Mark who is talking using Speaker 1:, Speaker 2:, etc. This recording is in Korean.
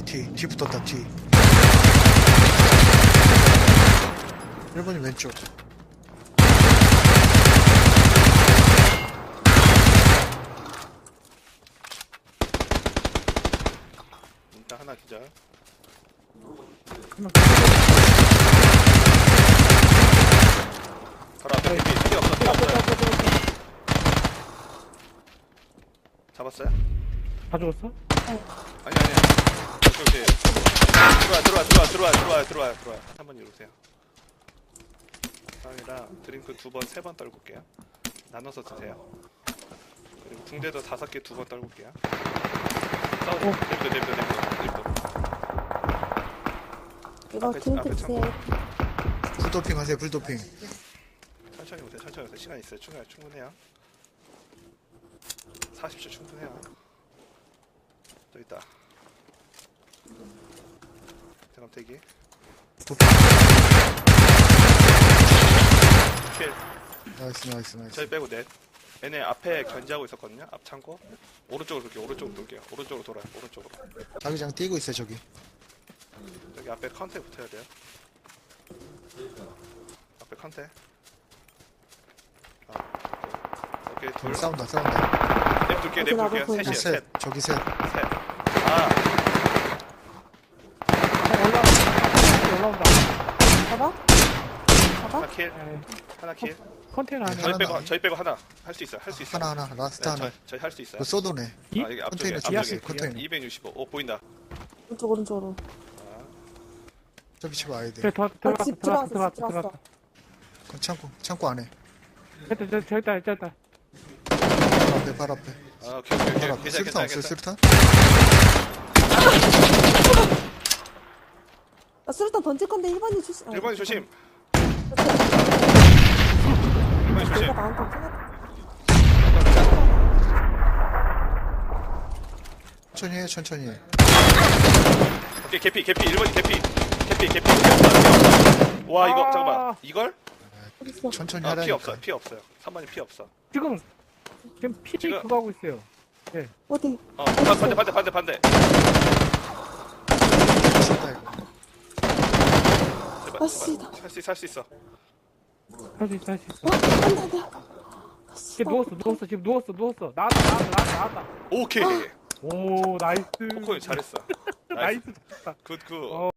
Speaker 1: 뒤 붙었다, 뒤. 1번이 왼쪽.
Speaker 2: 일단 하나 기절. 바로 앞에 피 없어, 피 없어요. 잡았어요?
Speaker 3: 다 죽었어?
Speaker 2: 아니. 오케이. 들어와. 한번 이리 오세요. 상이랑 드링크 2번, 3번 떨굴게요. 나눠서 드세요. 그리고 붕대도 5개 2번 떨굴게요. 내비둬.
Speaker 4: 이거
Speaker 2: 앞에
Speaker 4: 드링크 주세요.
Speaker 1: 불도핑 하세요, 불도핑.
Speaker 2: 천천히 오세요. 시간 있어요. 충분해요. 40초 충분해요. 또 있다. 잠깐 대기.
Speaker 1: 도핑.
Speaker 2: 킬.
Speaker 1: 나이스.
Speaker 2: 저희 빼고 넷. 얘네 앞에 견제하고 있었거든요. 앞 창고. 오른쪽으로 돌게요. 오른쪽으로 돌아요. 오른쪽으로.
Speaker 1: 자기장 뛰고 있어요, 저기.
Speaker 2: 여기 앞에 컨테 붙어야 돼요. 앞에 컨테. 오케이, 둘.
Speaker 1: 싸운다.
Speaker 2: 냅둘게요. 셋이에요. 셋.
Speaker 1: 저기 셋.
Speaker 2: 아,
Speaker 3: 올라온다.
Speaker 4: 봐봐.
Speaker 2: 하나 킬.
Speaker 3: 컨테이너 안에.
Speaker 2: 저희 빼고 하나. 할 수 있어요.
Speaker 1: 하나. 라스트 하나.
Speaker 2: 저희 할 수 있어요.
Speaker 1: 그 쏘도네.
Speaker 3: 이?
Speaker 2: 여기 앞쪽에.
Speaker 1: 컨테이너.
Speaker 2: 265. 오, 보인다.
Speaker 4: 오른쪽으로.
Speaker 1: 저기 집 와야 돼.
Speaker 3: 그래,
Speaker 4: 집 들어왔어.
Speaker 1: 그럼 창고 안에.
Speaker 3: 저기 있다.
Speaker 1: 발 앞에.
Speaker 2: 아, 오케이.
Speaker 1: 발 앞에. 수류탄 없어요, 수류탄?
Speaker 4: 나 수류탄 던질 건데 1번이 조심.
Speaker 2: 1번이 조심.
Speaker 4: 내가 나한테 생각.
Speaker 1: 천천히 해.
Speaker 2: 오케이, 개피. 1번이 개피. 와, 이거 잠깐만. 이걸?
Speaker 4: 어딨어?
Speaker 1: 천천히
Speaker 2: 피
Speaker 1: 하라니까.
Speaker 2: 없어요. 3번이 피 없어.
Speaker 3: 지금 피
Speaker 2: 지금-
Speaker 3: 그거 하고 있어요.
Speaker 4: 어디?
Speaker 2: 반대.
Speaker 1: 미쳤다, 이거.
Speaker 2: 제발.
Speaker 4: 아, 씨.
Speaker 2: 살 수 있어.
Speaker 3: 할 수 있어.
Speaker 4: 안돼.
Speaker 3: 지금 누웠어. 지금 누웠어. 나왔다.
Speaker 2: 오케이.
Speaker 3: 오, 나이스.
Speaker 2: 코코님 잘했어.
Speaker 3: 나이스.
Speaker 2: 굿.